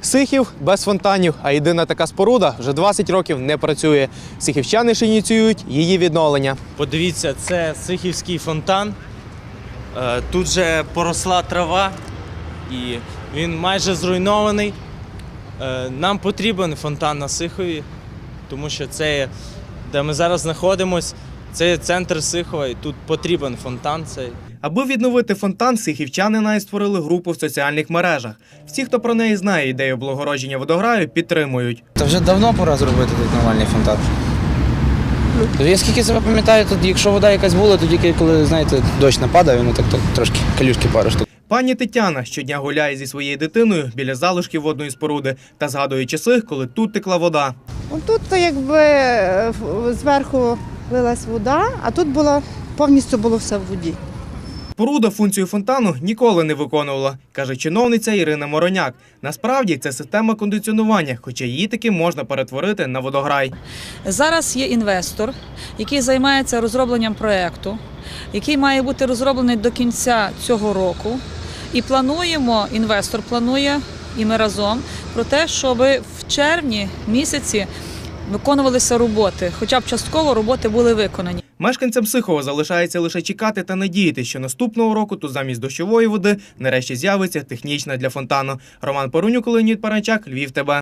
Сихів без фонтанів, а єдина така споруда вже 20 років не працює. Сихівчани ж ініціюють її відновлення. Подивіться, це Сихівський фонтан. Тут же поросла трава і він майже зруйнований. Нам потрібен фонтан на Сихові, тому що це, де ми зараз знаходимося, це є центр Сихова і тут потрібен фонтан цей. Аби відновити фонтан, сихівчани навіть створили групу в соціальних мережах. Всі, хто про неї знає ідею облагородження водограю, підтримують. Та вже давно пора зробити тут нормальний фонтан. Я скільки себе пам'ятаю, тут якщо вода якась була, то тільки коли, знаєте, дощ нападає, воно так трошки калюшки пару штук. Пані Тетяна щодня гуляє зі своєю дитиною біля залишків водної споруди та згадує часи, коли тут текла вода. Тут якби зверху лилась вода, а тут повністю було все в воді. Споруда функцію фонтану ніколи не виконувала, каже чиновниця Ірина Мороняк. Насправді це система кондиціонування, хоча її таки можна перетворити на водограй. Зараз є інвестор, який займається розробленням проєкту, який має бути розроблений до кінця цього року. І інвестор планує, і ми разом, про те, щоб в червні місяці виконувалися роботи, хоча б частково роботи були виконані. Мешканцям Сихова залишається лише чекати та надіятися, що наступного року тут замість дощової води нарешті з'явиться технічна для фонтану. Роман Порунюк, Леонід Паранчак, Львів ТБ.